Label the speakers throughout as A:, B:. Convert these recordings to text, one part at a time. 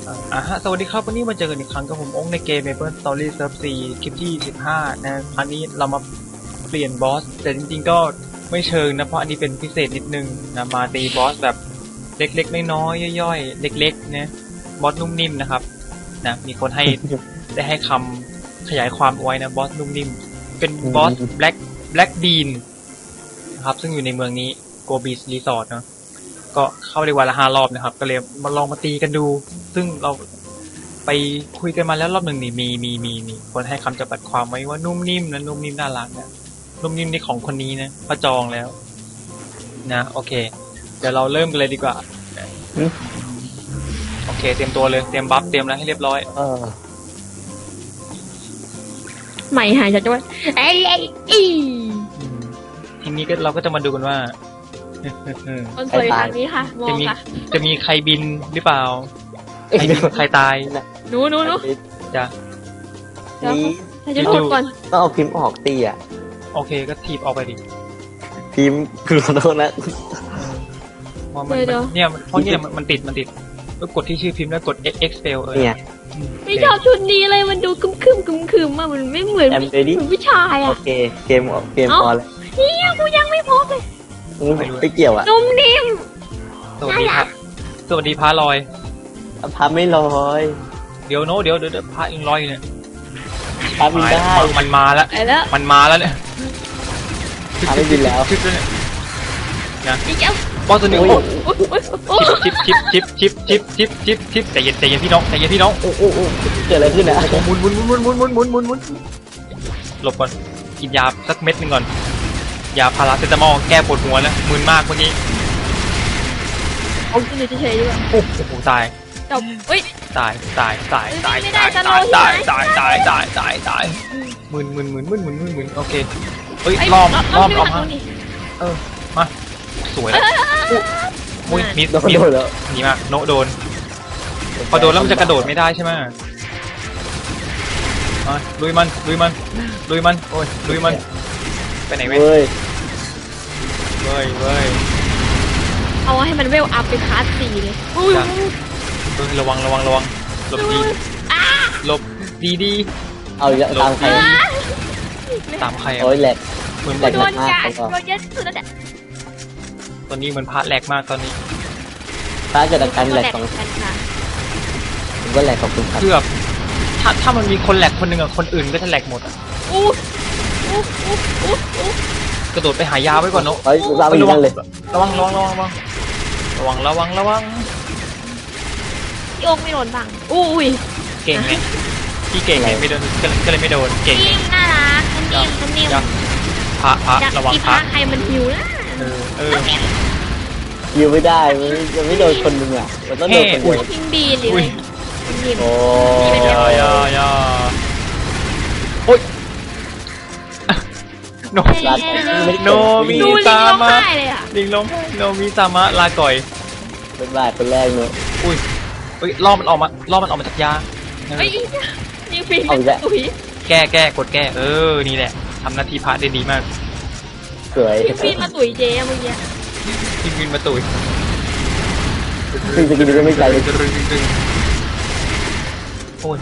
A: ฮะสวัสดีครับวันนี้มาเจอกันอีกครั้งกับผมองค์ในเกม Maple Story Serve 4คลิปที่15นะครั้งนี้เรามาเปลี่ยนบอสแต่จริงๆก็ไม่เชิงนะเพราะอันนี้เป็นพิเศษนิดนึงนะมาตีบอสแบบเล็กๆน้อยๆย่อยๆเล็กๆนะบอสนุ่มนิ่มนะครับนะมีคนให้ ได้ให้คำขยายความเอาไว้นะบอสนุ่มนิ่มเป็นบอส Black Bean นะครับซึ่งอยู่ในเมืองนี้ Go Beach Resort เนาะก็เข้าได้วันละ5 รอบนะครับก็เลยมาลองมาตีกันดูซึ่งเราไปคุยกันมาแล้วรอบหนึ่งนี่มีคนให้คำจำกัดความไว้ว่านุ่มนิ่มนะนุ่มนิ่มน่ารักนะนุ่มนิ่มนี่ของคนนี้นะพระจองแล้วนะโอเคเดี๋ยวเราเริ่มกันเลยดีกว่าโอเคเตรียมตัวเลยเตรียมบัฟเตรียมอะไรให้เรียบร้อย
B: ใหม่หายจากจังหวัด
A: ทีนี้ก็เราก็จะมาดูกันว่า
B: คนสวยทางนี้ค่ะมองค่ะ
A: จะมีใครบินหรือเปล่าใครตาย
B: หนู
A: จ้ะ
B: ถ้าจะกดก่อน
C: ต้องเอาพิมพ์ออกตีอ่ะ
A: โอเคก็ถีบออกไปดิ
C: พิมพ์คือขอโทษนะ
A: เนี่ยเพราะเนี่ยมันติดก็กดที่ชื่อพิมพ์แล้วกด expel
C: เนี่ย
B: ไม่ชอบชุดนี้เลยมันดูคึมมากมันไม่เหมือนผู้ชายอ่ะ
C: โอเคเกมออนเลย
B: เนี่ยกูยังไม่พบเลย
C: ไม่เกี่ยวอ่ะ
B: นุ่มนิ่ม
A: สวัสดีครับสวัสดีพาลอย
C: พาไม่ลอย
A: เดี๋ยวพายังลอยเนี่ย
C: พาบินได้
A: มันมาแล้วมันมาแล้วเนี่ย
C: พาไม่บินแล้ว
A: นะบอสตัวนี้ชิปใจเย็นพี่น้อง
C: โอ้เกิดอะไรขึ้นนะ
A: หมุนหลบก่อนกินยาสักเม็ดนึงก่อนยาพาราเซตามอลแก้ปวดหัวนะมึนมากเมื่อกี้
B: เอาขึ้นเฉยๆดีกว่า
A: โอ้โหตาย
B: จบเฮ้ย
A: ตายมึนโอเคเฮ้ยล้อมออกมามาสวยแล้วมุ้ยมิดแล้วนี่มากโนโดนพอโดนแล้วมันจะกระโดดไม่ได้ใช่ไหมลุยมันโอ้ยลุยมันไปไหนเว้ย
B: เอาให้มันเวลอัพไปคลาส4เลย
A: ระวังหลบดี
C: เอาตามใครโอ้ยแหลก
A: เหมือน
B: โดนกัดโดนเยอะสุดแล้วเนี่ย
A: ตอนนี้เหมือนพระแหลกมากตอนนี้
C: พระเกิดอาการแหลกของผมก็แหลกของคุณครับ
A: เกือบถ้ามันมีคนแหลกคนหนึ่งคนอื่นก็จะแหลกหมดกระโดดไปหายาไว้ก่อนเนาะ
C: ระวังเลย
A: ระวัง
B: โยกไม่โดนบังอุ้ย
A: เก่งไหมพี่เก่งไงไม่โดนก็เลยไม่โดนเก่ง
B: น่ารักนิ่ม
A: พระระวังพระ
B: ใครมันหิวนะ
C: หิวไม่ได้มันไม่โดนคนนึงอ่ะมันต้องโดนคนเดียว
B: พิงบีนเลย
C: โอ้
A: ยโอ้ยโนมีซามะลิงลมโนมีซามะลาก่อย
C: เป็นบาดเป็นแรกเนอะ
A: อุ้ยล่อมันออกมาจากยา
B: ยิงฟินตุ๋ย
A: แก้กดแก้นี่แหละทำหน้าที่พระได้ดีมาก
C: สวย
B: ฟินมาตุ๋ยเจ๊เมื่อกี้
A: ฟินมาตุ๋ย
C: ฟินจะกินก็ไม่ไกลเลย
A: โอ้ย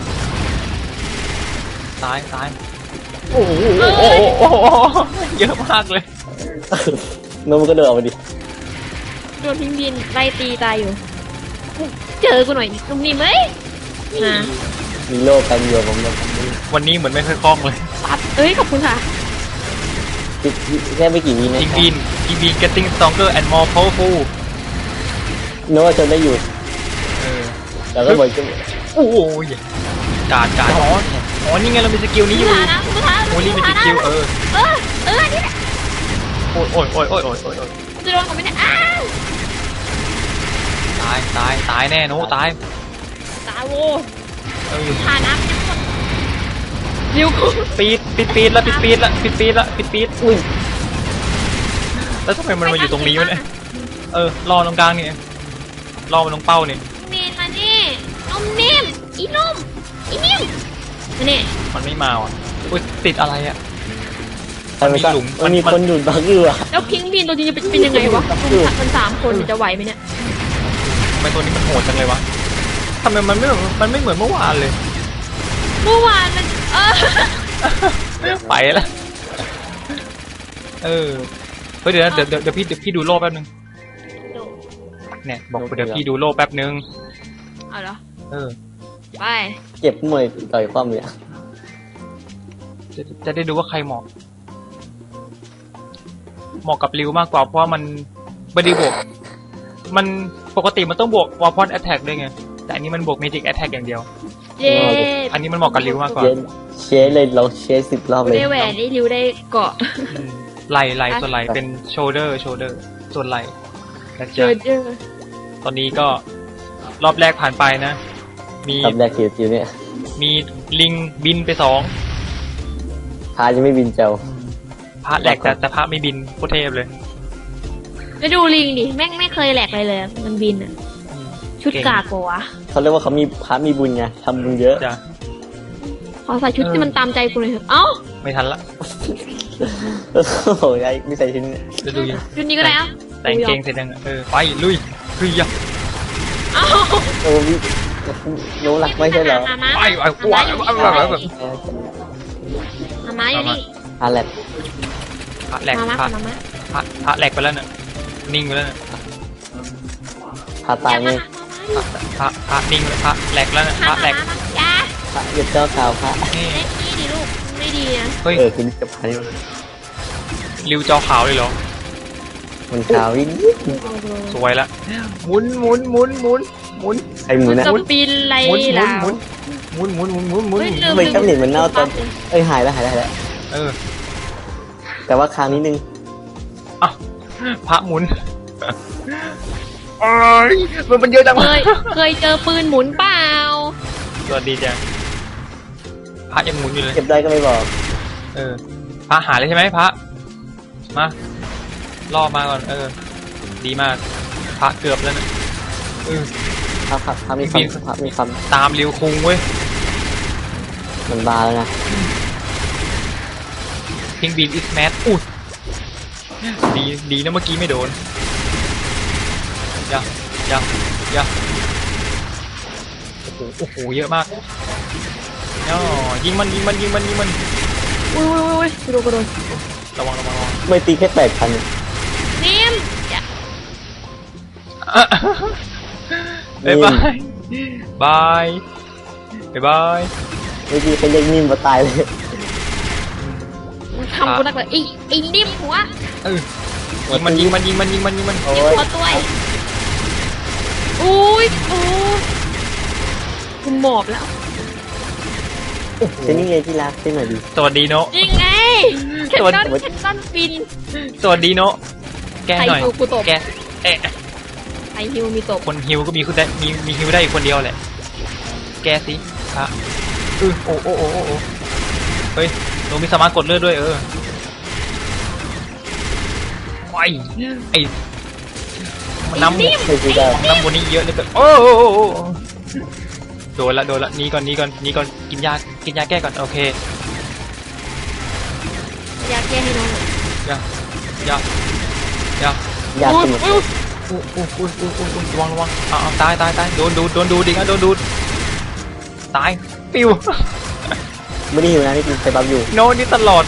A: ตาย
C: โอ้โห
A: เยอะมากเลย
C: น้องมันก็เดินออกมาดิ
B: โดนพิงบินไล่ตีตายอยู่เจอกูหน่อยนุ่มนิ่มไหม
C: มีโลกกันอยู่ผม
A: วันนี้เหมือนไม่ค่อยคล่องเลย
B: ขอบคุณค่ะ
C: แค่ไม่กี่วินะ
A: อีบีน getting stronger and more powerful
C: นึกว่าจะได้อยู่แต่ก็เหมือนจะ
A: โอ้ยการอ๋อนี่ไงเรามีสกิลนี้อยู่โอ้ยมีสกิล
B: นี่แหละ
A: โอ้ย
B: จะโดนเขาไม่ได้
A: ตายแน่โน้ตาย
B: โว้ผ่านน้ำยังหมดเร็ว
A: ปีดอุ้ยแล้วทำไมมันมาอยู่ตรงนี้วะเนี่ยรอตรงกลางนี่รอมันตรงเป้านี่
B: มานี่นุ่มนิ่มนุ่มนี่
A: มันไม่มาอ่ะอุ้ยติดอะไรอ่ะ
C: มันมีหลุมมันมีคนอยู่บังอยู่อ่ะ
B: แล้วพิงบินตัวจริงจะเป็นยังไงวะมัน3 คนจะไหวไหมเนี่ย
A: ทำไมตัวนี้มันโหดจังเลยวะทำไมมันไม่เหมือนเมื่อวานเลย
B: เมื่อวานมัน
A: ไปแล้วเฮ้ยเดี๋ยวนะเดี๋ยวพี่ดูโลกแป๊บนึงเนี่ยบอกเดี๋ยวพี่ดูโลกแป๊บนึง
B: เอาเหรอ ไป
C: เก็บมวยต่อยความเนี่ย
A: จะได้ดูว่าใครเหมาะกับริวมากกว่าเพราะว่ามันไม่ได้บวกมันปกติมันต้องบวกวอลพอนแอตแทกด้วยไงแต่อันนี้มันบวกเมจิกแอตแทกอย่างเดียว
B: เย้
A: อันนี้มันเหมาะกับริวมากกว่า
C: เชสเลยลองเชส10 รอบเลย
B: ได้แหวนได้ริ้วได้เกาะ
A: ไหล่ส่วนไหล่เป็นโชเดอร์ส่วนไหล่นะ
B: เจ
A: จ๊ะ
B: อ
A: ตอนนี้ก็รอบแรกผ่านไปนะ มี
C: รอบแรกคิวเนี่ย
A: มีลิงบินไป2
C: พายังไม่บินเจ้า
A: พระแหลกแต่พระไม่บินโคตรเทพเลย
B: ไปดูลิงดิแม่งไม่เคยแหลกเลยมันบินอ่ะชุดกากวะ
C: เขาเรียกว่าเขามีพามีบุญไงทำบุญเยอะ
A: จ้ะ
B: ขอใส่ชุดที่มันตามใจกูเลยเถอะเอ้า
A: ไม่ทันละ
C: โอ้โหไอ้ไม่ใส่ชิ้น
A: จะดูยัง
B: ชุดนี้ก็ได้อ่ะ
A: แต่งเกงเสร็จยังไปลุยอ่ะ
B: เอ้า
C: โอ้วิรู้หลักไม่ใช่เหรอ
B: มามา
A: ไป
B: มา
A: มา
B: อยู่นี่
C: อะไร
A: พระแหลก
B: มา
A: พระ
B: มามา
A: พระแหลกไปแล้วน่ะนิ่งไปแล้วน่ะ
C: พาตายไง
A: พระนิ่งพระแหลกแล้วน่ะพระแหลก
B: จ้า
C: พระหยุดเจ้าข่าวพระ
A: นี่
B: เล่นนี่ดิลูกไม่ดีนะ
A: เฮ้ย
C: คุณจะพานี่
A: ริวจอขาวเลยเหรอ
C: มันข่าววิ่ง
A: สวยละหมุน
C: ไอ้หมูนะ
B: จะปีนไร
A: หมุน
B: ล่ะ
C: ไม่กำเนิดมันเน่าตอนหายแล้วแต่ว่าคราวนี้นึง
A: อ่ะพระหมุนมันเยอะจัง
B: เคยเจอปืนหมุนเปล่า
A: สวัสดีจ้ะพระยังหมุนอยู่เลย
C: เก็บได้ก็ไม่บอก
A: พระหาเลยใช่ไหมพระมาล่อมาก่อนดีมากพระเกือบแล้วนะ
C: พระมีคำ
A: ตามริวคุงเว้ย
C: มันบาแล้วนะ
A: พิงบีนอิสแมทอุ้ยดีนะเมื่อกี้ไม่โดนอย่าโอ้โหเยอะมากย่อยิงมัน
B: อุ้ยกระโดด
A: ระวัง
C: ไม่ตีแค่8,000
B: นิ่ม
A: บ๊ายบาย
C: ไม่ตีแค่เรียกนิ่มมาตายเลย
B: ทำกูนักเลยอีนิ่มหัว
A: ยิงมัน
C: โอ้
B: นิ่ม
C: ย
B: หัวตัวอุ้ยโอ้กูหมอบแล้ว
C: เช่นนี้ไงที่รักเช่นหน่อยดิ
A: สวัสดีโน
B: ยิงไงแคนนอนบิน
A: สวัสดีโนแกหน่อย
B: ไอฮิวกูตบ
A: แก
B: ไอฮิวมีตบ
A: คนฮิวก็มีคุณได้มีฮิวได้อีกคนเดียวแหละแกสิพระโอ้เฮ้ยโนมีสามารถกดเลือดด้วยไอ้น้ำ
C: ไม่ตีได้
A: น้ำบนนี้เยอะเลยโอ้โดนละนี่ก่อนกินยาแก้ก่อนโอเค
B: อยากแก้ให้น้อง
A: ยา
C: อยากสมุด
A: ระวังตายโดนดูดิโดนดูตายปิว
C: ไม่ได้หิวนะนี่กินไซบับอยู่
A: โนนี่ตลอด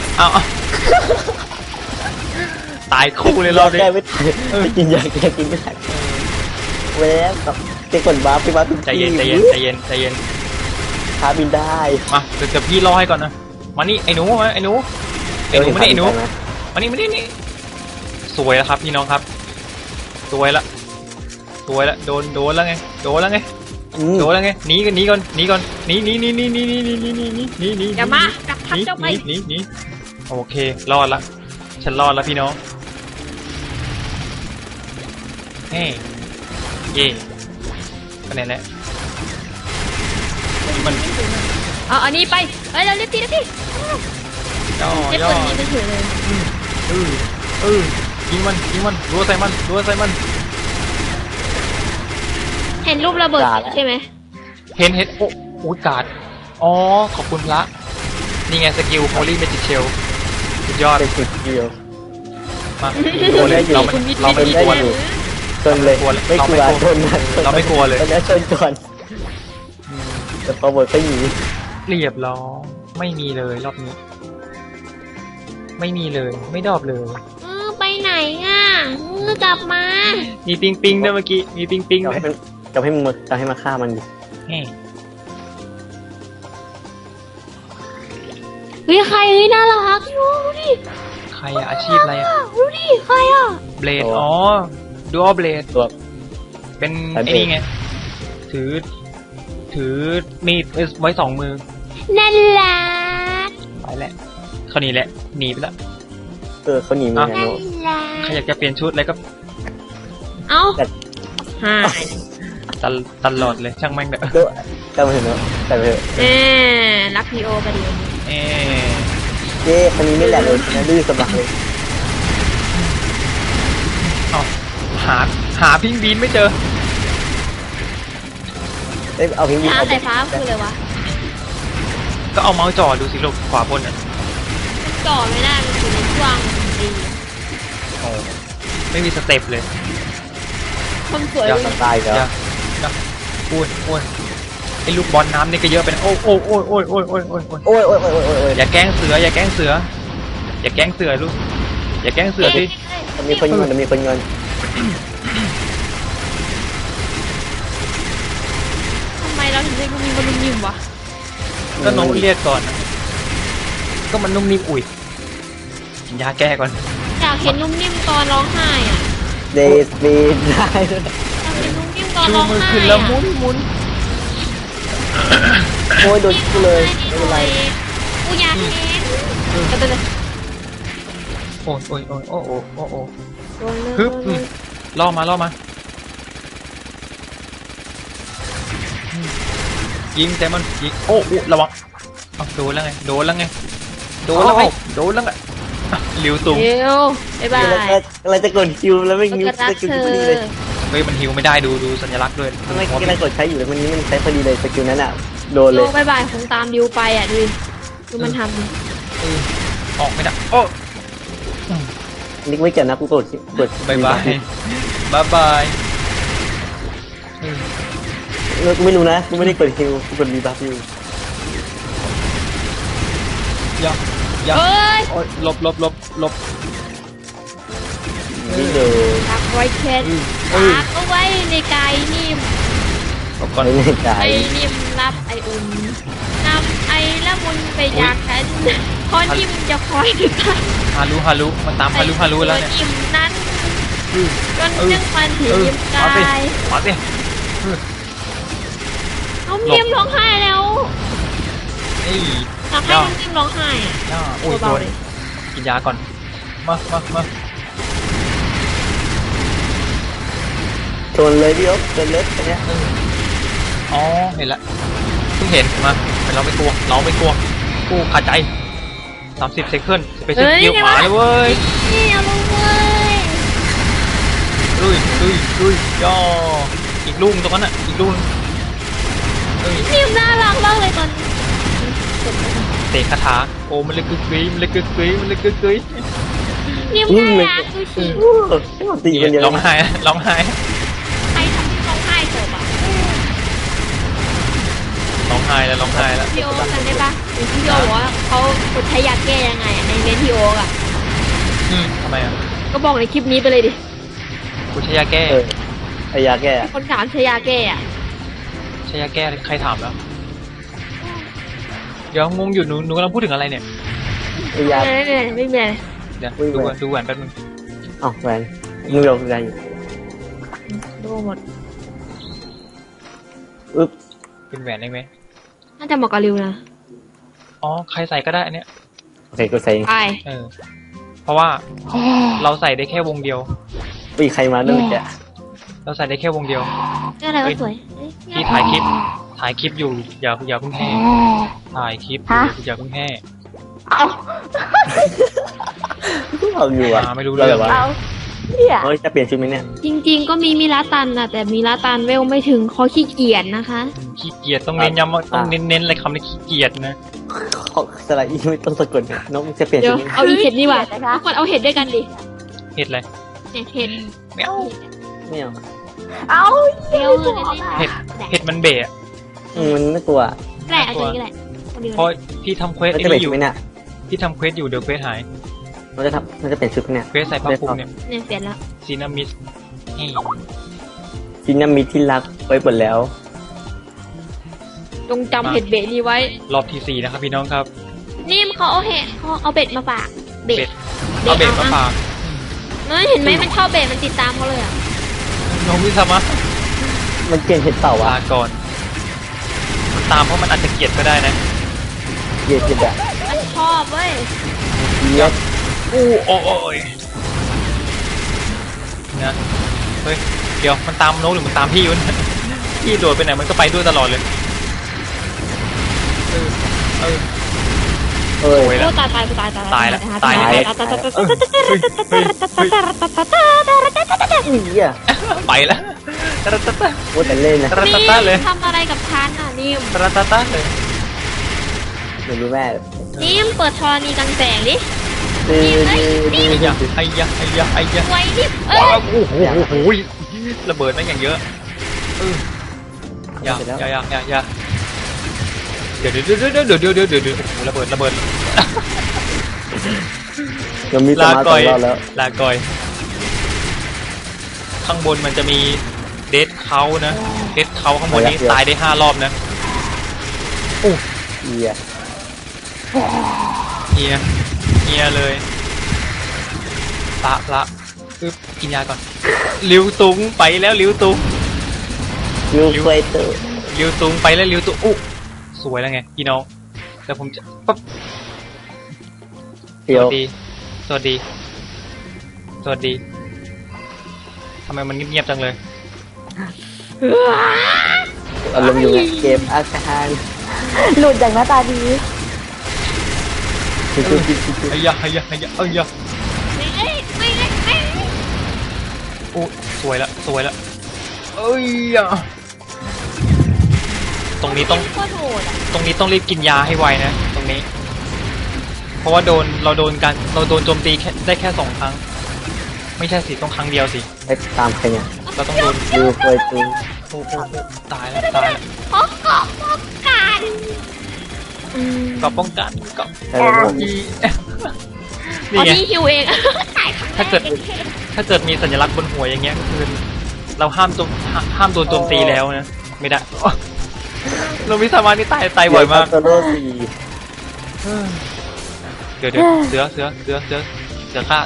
A: ตายคู่เลยรอบนี้
C: แก้ไม่ตายไม่กินยาแก้กินไม่ได้เว้ยแบบเจ๊กดบ้าไปบ้าทุก
A: ใจ
C: ที่
A: เย็น
C: พาบินได้
A: มาเดี๋ยวพี่รอให้ก่อนนะมานี่ไอ้หนูมาไอ้หนูมานี่ไอ้หนูมานี่สวยแล้วครับพี่น้องครับสวยละโดนแล้วไงหนีก่อนหนี
B: อย่ามากลับทับเจ้าไป
A: หนีโอเครอดละฉันรอดแล้วพี่น้องเฮ้เย่คะแนนแล้วมัน
B: เอาอันนี้ไปเราเรียกตี
A: ย่อ
B: เจ็บปืนนี้ไม่ถือเลย
A: ยิงมันรัวใส่มัน
B: เห็นรูประเบิดใช่ไหม
A: เห็นโอ้กาดอ๋อขอบคุณพระนี่ไงสกิลโฮลี่เมจิกเชลสุดยอด
C: เป็นจุดเดียว
A: มาโดนเลยเราไม่กลัวเลย
C: ชนเลยไม่กลัวชนนะ
A: เราไม่กลัวเลย
C: แล้วชนก่อนแต่พอหมดก็หนี
A: เรียบร้อยไม่มีเลยรอบนี้ ไม่มีเลย ไม่ดรอปเลย
B: ไปไหนอ่ะกลับมา
A: มีปิงปิงด้วยเมื่อกี้ มีปิงปิง
C: จะ
A: ด้วย
C: ให้จะให้มึงมาจะให้มาฆ่ามันดิ
A: แฮ่
B: เฮ้ยใครเฮ้ยน่ารักดูดิ
A: ใครอะอาชีพอะไรอะ
B: ดูดิใครอ่ะ
A: เบลดอ๋อดูอัลเบลด
C: ตัว
A: เป็น
C: สาย
A: ไอ้
C: เบลด
A: นี่ไง ถือมีดไว้สองมือ
B: นั่นแหละ
A: ไปแล้วเขาหนีแหละหนีไปแล้ว
C: เขาหนีมึงไง
B: นั่น
C: โน
B: แหละ
A: ใครอยากจะเปลี่ยนชุดอะไรก็
B: เอ้า
C: แต่
B: หาย
A: ตลอดเลยช่างแม่งเด้อ
C: โดแต่ไปเถอะเนอะแต่ไปเถอะ
B: รักพีโอประเดี๋ยวนี้
A: เอ๊ะ
C: เจ๊อันนี้ไม่แหลกเลยนะดื้อสมัครเลย
A: เอาหาพิงบีนไม่เจอ
C: เอาพิงค์
B: ฟ้าแต่ฟ้าคืออะไรวะ
A: ก็เอาเมาส์จ่อดูสิลูกขวาบนอ่ะ
B: จ่อไม่ได้มันอยู่ในช่วงดี
A: โอ้ไม่มีสเต็ปเลย
B: คนสวย
A: อย่า
C: มันตายแล้ว
A: อย่าอ้วนไอ้ลูกบอลน้ำนี่ก็เยอะไปนะโอ้โอ้โอ้โอ้โอ้โอ้โอ้โอ้
C: โอ้ยโอ้ยโอ้ยโอ้ยโอ้ย
A: อย่าแกล้งเสืออย่าแกล้งเสืออย่าแกล้งเสือลูกอย่าแกล้งเสือสิ
C: มันมีคนเงินมันมีคนเงิน
B: ทำไมเราถึงได้มีบอลลูนยิมวะ
A: ก็น้องเรียกก่อนนะก็มันนุ่มนิ่มอุ่ยกินยาแก้ก่อน
B: อยากเห็นนุ่มนิ่มตอนร้องไห้อ่ะ
C: เดสปีดได้
B: อยากเห็นนุ่มนิ่มตอน
A: ชู
B: ร้อง
A: มือ
B: ไห้
A: ขึ้นแล้วหมุนหมุน
C: โอ้ยโดนกูเลยไม่เป็นไร
B: กูอยากเห็นก็เลย
A: โอ้ยโอ้ยโอ้ยโอ้โอ้โอ้โอ้
B: โดนเลย
A: ฮึบล่อมายิงแต่มันยิงโอ้ระวังเอาโดนแล้วไงโดนแล้วไงอ่ะหลิวตุง
B: เดี๋ยวบ๊ายบาย
C: อะไรจะกดคิวแล้วไม่
B: ก็
C: นิ้ว
B: จะรัก
C: สกิล
B: เธ
C: พ
B: อ
C: อดีเลย
A: เฮ้ยมันฮิวไม่ได้ดูสัญลักษณ์ด้วย
C: ทำไมกำลังกดใช้อยู่แล้วมันนี้มันใช้พอดีเลยสกิลนั้นอ่ะโดนเล
B: โย
C: ย
B: บ๊ายบายคงตามดิวไปอ่ะดูดูมันทำดิ
A: ออกไม่ได้โอ้
C: นิกไม่เกี่ยวนะกูกด
A: บายบาย
C: กูไม่รู้นะกูไม่ได้กดคิวกูกดรีบัฟอยู่
A: อย่า
B: เอ้ย
A: โอ้ยหลบ
C: นี่เดิน
B: รักไว้เช็ดรักเอาไว้ในกายนิ่ม
A: หลบก่อน
C: ไม่ได้ใจ
B: ไอ้นิ่มรับไออุ่นนำไอ้ละมุนไปจากฉันเพราะนิ่มจะคอยดูทัน
A: ฮารุมันตามฮารุแล้วเนี่ย
B: นิ่มนั้นจน
A: เออ
B: นึ่งมันถึงยิ้มกาย
A: มาสิ
B: เอานิ่มร้องไห้แล้ว
A: นี่
B: อยากให้น้องนิ่มร้องไห้อ่ะ
A: ย่าโอ้ยโด
B: เบาน ๆเลย
A: กินยาก่อนมา
C: ชนเลยพี่อ๊บชนเลยอันเนี้ย
A: อ๋อเห็นละเพิ่งเห็นมาแต่เราไม่กลัวกูขาดใจ30 เซคันด์ไปซื้อเกี๊ยวหมาเลยเว้ย
B: นี่เอาลงเลย
A: ลุยย่ออีกลูกตรงนั้นอ่ะอีกลูก
B: นิ่มน่ารักมากเลยตอน
A: เตะคาถาโอ้มันเลยกึกกึยมันเลยกึกกึย
B: นิ่มน่ารักดูสิ
C: ตีกันเดียว
A: ร้องไห้
B: ใครทำให้ร้องไห้เถอะปะ
A: ร้องไห้แล้ว
B: พี่โอ๊กันได้ปะเห็นพี่โอ๊บอกว่าเขาใช้ยาแก้ยังไงอะในเมนพี่โอ๊อ่ะ
A: ทำไมอ่ะ
B: ก็บอกในคลิปนี้ไปเลยดิ
A: กูใช้ยาแก้
C: ไอยาแก้
B: คนถามใช้ยาแก้อ่ะ
A: ใช้ยาแก้ใครถามแล้วเดี๋ยวงงอยู่หนูกำลังพูดถึงอะไรเนี่ย
C: ไอยา
B: ไม่มีอะไร
A: เดี๋ยว
C: อุ้ย
A: ดูแหวนแป๊บนึง
C: อ้าวแหวนมือเราคืออะไรอยู่
B: ดูหมด
C: อึ๊บ
A: เป็นแหวนได้ไหม
B: น่าจะเหมาะกับริวนะ
A: อ๋อใครใส่ก็ได้อันเนี้ย
C: โอเคกูใส่
B: ไป
A: เพราะว่าเราใส่ได้แค่วงเดียว
C: ปีใครมาด้วยแก
A: เราใส่ได้แค่วงเดียว
B: เรื่องอะไรก็สวย
A: ที่ถ่ายคลิปอยู่อย่าเพิ่งแห่ถ่ายคลิปอยู่อย่าเพิ่งแห่
C: เอาอยู่อ่ะ
A: ไม่รู้เรื่อง
C: วะ
B: เนี่ย
C: เฮ้ยจะเปลี่ยนชุดไหมเนี่ย
B: จริงๆก็มีมิลาตันนะแต่มิลาตันเวลไม่ถึงเขาขี้เกียจนะคะ
A: ขี้เกียจต้องเน้นย้ำว่าต้องเน้นอะไรคำนี้ขี้เกียจนะ
C: ของสไลด์อีไม่ต้องสะกดเนี่ยน้องจะเปลี่ยน
B: เดี๋ย
C: ชุ
B: ว
C: ดนี้
B: เอาอีเห็ดนี่ว่ะทุกคนเอาเห็ดด้วยกันดิ
A: เห็ดอะไร
B: เนี่ยเห็ด
A: ไม่เอา
C: ไม่เอา
B: เปรี้ยวเลย
A: เห็ดมันเบะ
C: มันไม่กลัว
B: แหละตัวนี้แหละคนเดียว
A: เพราะพี่ทำเควส
C: มัน
A: ไอ้
C: จะเป็น
A: นี่อ
C: ชุด
A: ยู่
C: ไหมเนี่ย
A: พี่ทำเควสอยู่เดี๋ยวเควสหาย
C: มันจะเป็นชุดเนี่ย
A: เควสใส่ผ้าคลุมเนี่ย
B: เนี่ยเสร็จแล้ว
A: ซีนามิสนี่
C: จินามิที่รักไว้หมดแล้ว
B: จงจำเห็ดเบ็ดนี้ไว้
A: รอบที่4นะครับพี่น้องครับ
B: นี่เขาเอาเห็ดเขาเอาเบ็ดมาฝากเบ็ด
A: เอาเบ็ดมาฝาก
B: เฮ้ยเห็นไหมมันชอบเบ็ดมันติดตามเขาเลยอ่ะ
A: น้องวิสามะ
C: มันเกลียดเห็ดเต่า
A: ลา
C: อ่ะ
A: ก่อนมันตามเพราะมันอาจจะเกลียดก็ได้นะ
C: เกลียดเห็ดอ่ะ
B: มันชอบเว้ย
C: เกลียด
A: อู้โอ้ยนะเฮ้ยเดี๋ยวมันตามโน้ตหรือมันตามพี่วะเนี่ยพี่โดดไปไหนมันก็ไปด้วยตลอดเลยเออ
C: เอ้ย
A: โอ้ย
B: โอ้ตาย
C: อีอ่ะ
A: ไปแล้วตะตะตะ
C: โอ้แต่เล่นนะ
A: ตะ
B: นี่
A: ตะตะเลย
B: ทำอะไรกับฉันอ่ะนิ่ม
A: ตะตะตะเลย
C: ไม่รู้แม่
B: นิ่มเปิดธรณีกลางแสงดิ
C: ดื้อดื้อดื้อ
A: ไอ้ยะไอ้ยะไอ้ยะไอ้ยะ
B: ไว้ดิเอ้
A: ว้าวย โอ้โหโอ้โหระเบิดแม่งอย่างเยอะอย่าเดี๋ยวโอ้โหระเบิด
C: ยังมีส
A: ลา
C: มาร์ท
A: ก่อย
C: ของเราแล้ว
A: ลาก่อยข้างบนมันจะมีเดทเขานะเดทเขาข้างบนนี้ตายได้5 รอบนะ
C: อีอ่ะ
A: เฮียเลยละอึ๊บกินยาก่อนลิวตุงไปแล้วลิวตุง
C: ยูเฟเตอร์
A: ลิวตุงไปแล้วลิวตุงอุ๊สวยแล้วไงพี่น้องแต่ผมจะปั๊บ
C: เดี๋ยว
A: สวัสดีทำไมมันเงียบๆจังเลย
C: อารมณ์อยู่ไงเกมอาการ
D: หลุดจากหน้าตาดี
A: ไอ้ยะโอ้สวยละเอ้ยอะตรงนี้ต้อง
B: โคตรโหดอ่ะ
A: ตรงนี้ต้องรีบกินยาให้ไวนะตรงนี้ เพราะว่าเราโดนโจมตีได้แค่2 ครั้ง ไม่ใช่สิต้องครั้งเดียวสิ
C: ไปตามใครเนี่ย
A: เราต้องโดน
C: ยูเฟเตอร์
A: โอ้ตายแล้ว
B: เพราะเกาะป้องกัน
A: ก็ป้องกันก็
C: ใช่ไหม
A: อี
B: อ๋อ
A: นี่ไง
B: นี่ฮิวเองตาย
A: ถ้าเกิดมีสัญลักษณ์บนหัวอย่างเงี้ยก็คือเราห้ามโดนโจมตีแล้วนะไม่ได้เราวิสามานี่ตายบ่อยมาก
C: โซโล่สี่
A: เดี๋ยวเสือฆ่า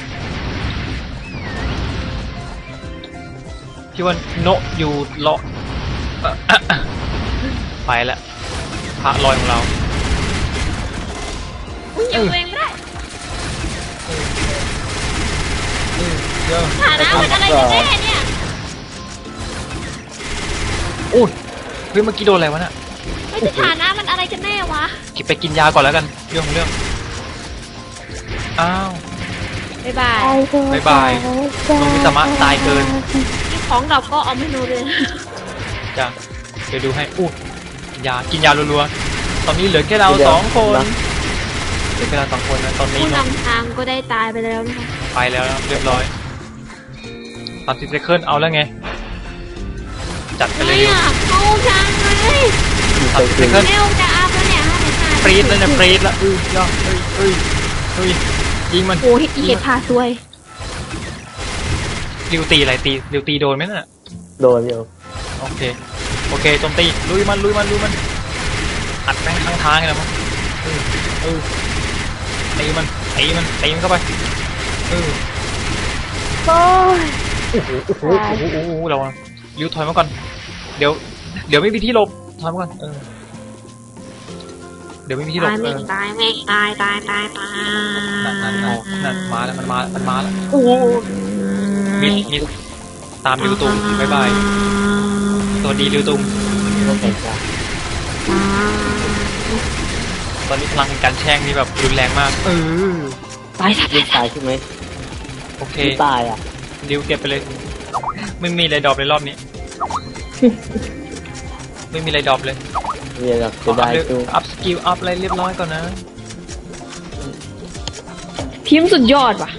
A: พี่ว่าโนะอยู่เลาะไปแล้วพระลอยของเรา
B: ฮิวเองไม่ได้
A: เดี๋ยว
B: ฐานะมันอะไรกันแน่เนี่ย
A: อุ้ยเฮ้ยเมื่อกี้โดนอะไรวะน่ะ
B: ไม่ใช่ฐานะมันอะไรกันแน่วะ
A: กินไปกินยาก่อนแล้วกันเรื่องของเรื่องอ้าว
B: บ๊ายบาย
A: บ๊ายบาย น้องมิสามะตายเกิน
B: มีของดรอปก็เอาไม่โนเลย
A: จ้ะเดี๋ยวดูให้อู้กินยารัวๆตอนนี้เหลือแค่เรา2 คนเหลือแค่เรา2 คนนะตอนนี้
B: ผู้
A: เนาะ
B: นำทางก็ได้ตายไปแล้วนะคะ
A: ไปแล้วนะเรียบร้อย30 เซคันด์เอาแล้วไงจัดไปเลย
B: ไม่อยากเข้าทางเลย
C: ยูเฟ
A: 30
C: เต
A: เซ
C: อร์
A: คันด์
B: เร็วจะอัพแล้วเนี่ย5
A: ปรีดแล้วเนี่ยปรีดแล้วย่อเฮ้ยยิงมัน
B: โอ้ยอีเห็ดพาซวย
A: ริวตีอะไรริวตีโดนไหมน่ะ
C: โดนอยู่
A: โอเคโจมตีลุยมันอัดแม่งข้างทางเลยมั้งตีมันเข้าไป
D: โอ้ย
A: โอ้โหเราริวถอยมาก่อนเดี๋ยวไม่มีที่หลบถอยมาก่อนเดี๋ยวไม่มีที่หลบ
B: ตายไม่ตาย
A: นั่นมาแล้วมันมาแล้วโอ้มิดตามริวตุงบ๊ายบายสวัสดีริวตุง
C: โอเคจ้ะ
A: ตอนนี้พลังแห่งการแช่งนี่แบบรุนแรงมาก
B: ตายซะ
C: ยิงตายใช่ไหม
A: โอเค
C: ยิงตายอ่ะ
A: ริวเก็บไปเลยไม่มีอะไรดรอปเลยรอบนี้ ไม่มีอะไรดรอปเลย
C: เรียนแบบจะได้ตู้
A: อัพสกิลอัพอะไรเรียบร้อยก่อนนะ
B: พิมพ์สุดยอดว่ะ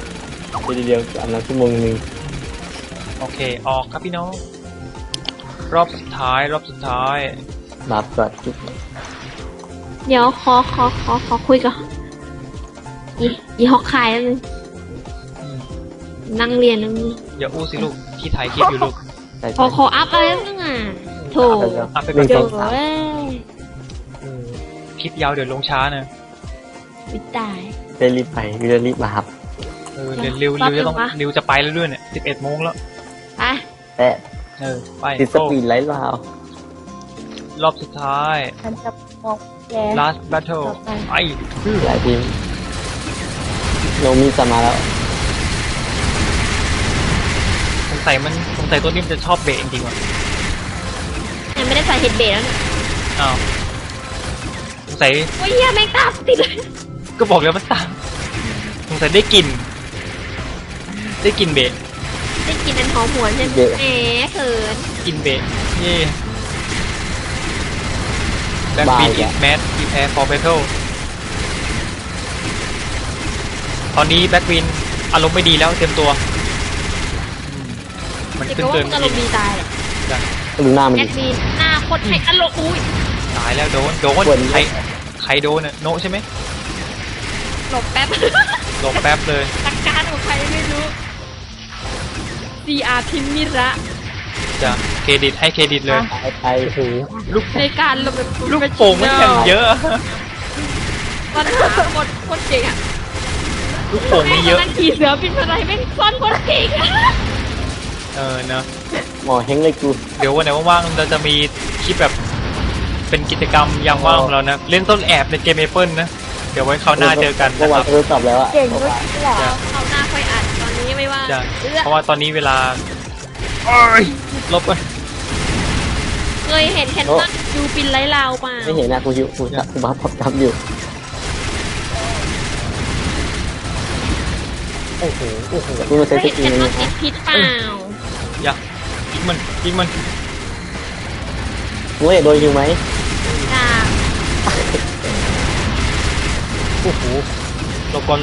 C: เดียวอันนั้นชั่วโมงนึง
A: โอเคออกครับพี่น้องรอบสุดท้าย
C: บัฟก่อน
B: เดี๋ยวขอคุยกับอีฮอกคายแล้วนึง
A: อืม
B: นั่งเรียนแล้วนึง
A: อย่าอู้สิลูกที่ถ่ายคลิปอยู่ลูก
C: ใช่
B: ขออัพอะไรแล้วนึงอ่ะโถ
A: อัพไป
C: หนึ่ง
A: ก่
C: ส
A: อ
C: อน งสาม
B: เว้ย
A: คลิปยาวเดี๋ยวลงช้านะ
B: วิตาย
C: จะรีบไปจะรีบมาครับ
A: เดี๋ยวริวจะต้องริวจะไปแล้วด้วยเนี่ย11 โมงแล้ว
B: ไป
C: แต่
A: ไป
C: ติดสปีดไลท์ลาว
A: รอบสุดท้าย
D: ฉันจะมองแก
A: last battle ไอ้
C: หลายทีมโนมิจะมาแล้ว
A: สงสัยตัวนี้มันจะชอบเบรกจริงๆว่ะ
B: ยังไม่ได้ใส่เฮดเบรแล้วเนี่ย
A: อ้าวสงสัย
B: โอ้ยเหี้ยแม่งตามติดเลย
A: ก็บอกแล้วมันตามสงสัยได้กลิ่นเบรก
B: ได้กินอันหอมหวนใช่ไหมแหมเขิน
A: กินเบรกเย่แบ็คบีนอีกแมทอีแพร์ฟอร์เบทเทิลตอนนี้แบ็คบีนอารมณ์ไม่ดีแล้วเตรียมตัวมัน
B: เด็ก
A: ขึ้น
B: ก็ว่า
A: เตือน
B: มึงอารมณ์ดีตายแหละ
C: ดูหน้ามัน
B: แอ
C: ดิ
B: ดมินหน้าโคตรให้อารมณ์อุ้ย
A: ตายแล้วโดน
C: บ่น
A: ใครโดนน่ะโนะใช่ไหม
B: หลบแป๊บ
A: หลบแป๊บเลย
B: ตักการของใครไม่รู้ CR พิมมิระ
A: จะเครดิตให้เครดิตเลย
C: ไปหู
A: ลูก
B: ในการหลบแบบ
A: ลูกโป่งมันอย่างเยอะ
B: ปัญหาโคตรเก่งอะ
A: ลูกโป่ง
B: แม่
A: นี่
B: ง
A: เยอะ
B: นั่งขี่เสือบินอะไรแม่งซ่อนโคตรเก่งอะ
A: เนอะ
C: หมอเฮงเลยกู
A: เดี๋ยววันไหนว่างๆเราจะมีคลิปแบบเป็นกิจกรรมยามว่างของเรานะเล่นต้นแอบในเกมเมเปิลนะเดี๋ยวไว้คราวหน้าเจอกัน
C: เมื่
A: นะ
C: อ
A: คว
C: า
A: รั
C: น
A: บ
C: ทดสอบแล้วอะ
D: เก่งด้วยนี่แหละ
B: เขาหน้าค่อยอัดตอนนี้ไม่ว่า
A: จะ
B: เอื้อ
A: เพราะว่าตอนนี้เวลาลบกัน
B: เคยเห็นแคนนอนยูปินไร้ลาวเปล่า
C: ไม่เห็นนะกูอยู่กูบัฟผมจำอยู่
A: โอ้โห
C: กูมา
B: เค
C: ใช้
B: ย
C: ส
B: เห็น
C: กิ
B: แค
C: ล
B: นนอ
C: นี้
B: นติดพิษเปล่า
A: อย่ายิงมัน
C: กูเห็นโดนยิงไหม
B: จ้า
A: โอ้โหลบก่อน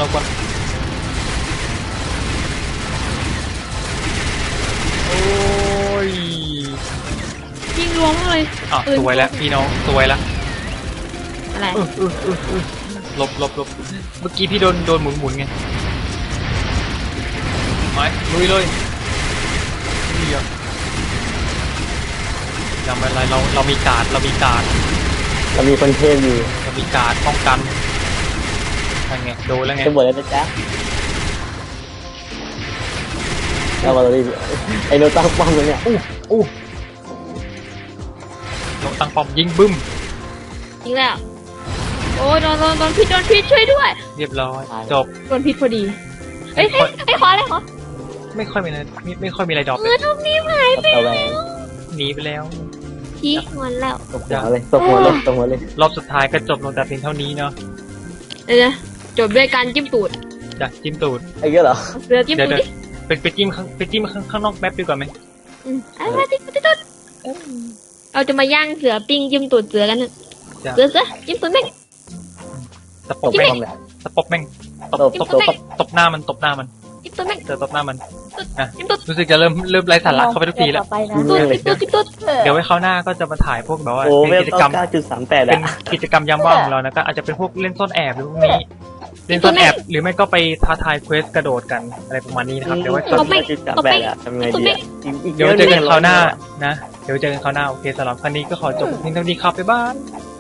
A: โอ้ย
B: ยิงรวมเลย
A: อ่ะสวยแล้วพี่น้องสวยแล้ว
B: อะไร
A: หลบเมื่อกี้พี่โดนหมุนไงไม้ลุยเลยนี่อ่ะจำอะไรเรามีการ์ด
C: เรามีคนเทพอยู่
A: เรามีการ์ดป้องกันนั่นไงโดนแล้วไง
C: จะบอกแล้วนะจ๊ะแล้วมาเราดิไอ้โนตั้งป้อมเลยเนี่ย
A: อู้ลงตั้งป้อมยิงบึ้ม
B: จริงแล้วโอ้ยโดนพิษช่วยด้วย
A: เรียบร้อยจบ
B: โดนพิษพอดีเอ้ยขออะไรขอ
A: ไม่ค่อยมีอะไรไม่ค่อยมีอะไรดรอป
B: เออทุกนี้หายไป
C: เอาแหว
B: แล้ว
C: น
A: หนีไปแล้ว
B: ชี้งอนแล้ว
C: ตบหัวเลยตบหัวเลย
A: รอบสุดท้ายก็จบลงแต่เพียงเท่านี้เนาะ
B: เดี๋ยวจบด้วยการจิ้มตูด
A: จากจิ้มตูด
C: ไอ้เงี้ยเหรอ
B: เสือจิ้ม
A: เดี๋ยว
B: ตูด
A: เดี๋ยว
B: ดิ
A: ไปจิ้มข้างนอกแป๊บดีกว่าไหม
B: อะไรจิ้มตูดเราจะมาย่างเสือปิ้งจิ้มตูดเสือกันเถอะ
A: จ้ะ
B: เสือจิ้มตูดแม่ง
A: ตะป
C: ต
A: บบ แม่ง
C: ป้อมแหละ
A: ตะปบแม่ง ตบหน้ามัน
B: จิ้มตูดแม่ง
A: เจอตบหน้ามันนะ
B: จิ้มตูด
A: รู้สึกจะเริ่มไร้สาระเข้าไปทุกทีแล้ว
D: ต่อไปนะ
B: จิ้มตูด
A: เดี๋ยวไว้คราวหน้าก็จะมาถ่ายพวกแบบว่า
C: โอ้
A: เป็น
C: เวล
A: กิจกรรม
C: 9.38
A: เป็
C: อ่ะ
A: นกิจกรรมยามว่างของเรานะก็อาจจะเป็นพวกเล่นซ่อนแอบหรือพวกนี้ เล่นซ่อนแอบหรือไม่ก็ไปท้าทายเควสกระโดดกันอะไรประมาณนี้นะครับเดี๋ยวไว้
C: 9.38อ่ะทำไงดีอ่ะอีก
A: เดี๋ยวเจอกันคราวหน้านะเดี๋ยวเจอกันคราวหน้าโอเคสำหรับครั้งนี้ก็ขอจบเพียงเท่านี้ครับบ๊ายบาย